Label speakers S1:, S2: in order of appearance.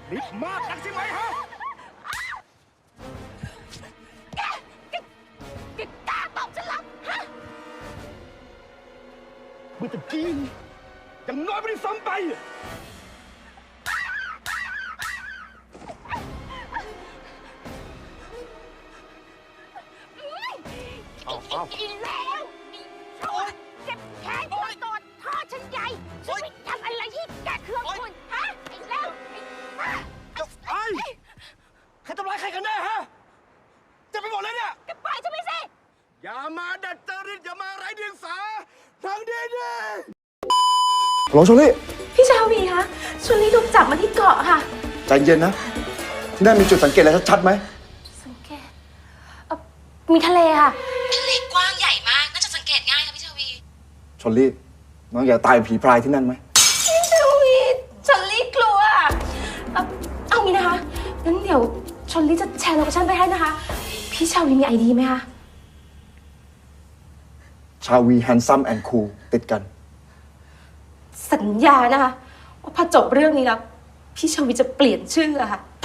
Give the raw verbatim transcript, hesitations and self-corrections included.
S1: ฤทธิ์มากนักใช่ไหมฮะ
S2: แกแกแกกล้าตอบฉันเหรอฮะ
S1: เมื่อตะกี้นี่ยังน้อยไม่ได้ซ้ำไปเอาเอา
S2: อีแล้วโอ๊ยเจ็บแขนตัวโดนท่อฉันใหญ่ฉันไม่ทำอะไรที่แกเครื่องคุณฮะไอ้แล้วไอ้บ้า
S1: ไอ้ใครทำร้ายใครกันแน่ฮะเจะไปหมดเลยเนี่ย
S2: แกปล่อยฉันไปสิ
S1: อย่ามาดัดจริตอย่ามาไร้เดียงสาทางดีดีหลงชลี่
S3: พี่ชาวีคะชวนลีถูกจับมาที่เกาะค่ะ
S1: ใจเย็นนะ ที่นั่นมีจุดสังเกตอะไรชัดๆไหม
S3: สังเกตเอ่อมีทะเลค่ะ
S4: ทะเลกว้างใหญ่มาก น่าจะสังเกตง่ายค่ะพี่ชาวี
S1: ชลลี่น้องอย่าตายผีพรายที่นั่นไหม
S3: พี่ชาวีชวนลีกลัวเอ่อเอางี้นะคะงั้นเดี๋ยวชวนลีจะแชร์โลเคชั่นไปให้นะคะ พี่ชาวีมีไอดีไหมคะ
S1: ชาวีแฮนซัมแอนด์คูลติดกัน
S3: สัญญานะคะว่าพอจบเรื่องนี้แล้วพี่ชาวีจะเปลี่ยนชื่ออะค่ะ